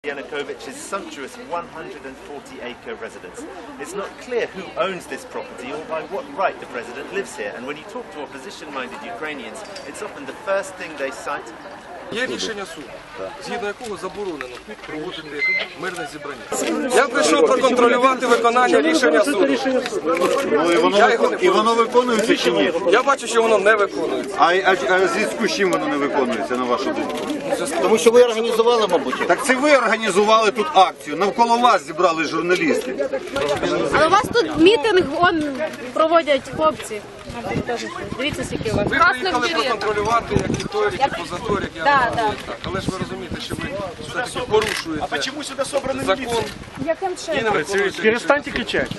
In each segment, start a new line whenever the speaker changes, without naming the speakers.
Yanukovych's sumptuous 140-acre residence. It's not clear who owns this property or by what right the president lives here, and when you talk to opposition-minded Ukrainians, it's often the first thing they cite.
Є рішення суду, згідно якого заборонено тут проводити мирне зібрання. Я прийшов проконтролювати виконання рішення суду.
І воно виконується чи ні?
Я бачу, що воно не виконується.
А в зв'язку з чим воно не виконується, на вашу думку?
Тому що ви організували, мабуть.
Так це ви організували тут акцію, навколо вас зібрали журналісти.
Але у вас тут мітинг проводять хлопці. Дивіться, скільки у вас.
Ви приїхали проконтролювати, як і той, як і позаторік, як і так. Але ж ви розумієте, що ви все-таки порушуєте закон.
Яким чином?
Перестаньте кричать.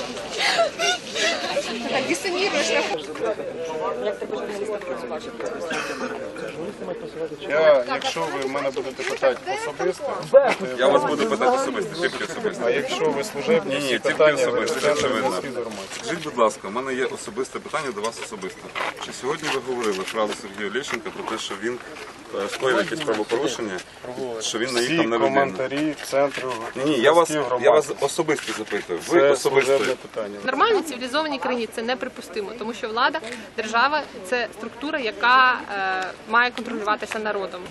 Якщо ви мене будете питати особисто,
Я вас буду питати особисто, тільки особисто.
а якщо ви служебні,
Ні,
всі
тільки
питання
особисто, це очевидно.
інформації.
Скажіть, будь ласка, у мене є особисте питання до вас особисто. Чи сьогодні ви говорили фразу Сергія Лещенка про те, що він скоїв якесь правопорушення, що він наїхав
Всі
на людину?
коментарі центру.
Ні, я вас особисто запитую. Ви
Це
особисто.
служебне питання.
В нормальній цивілізованій країні це неприпустимо, тому що влада, держава – це структура, яка має контролюватися народом.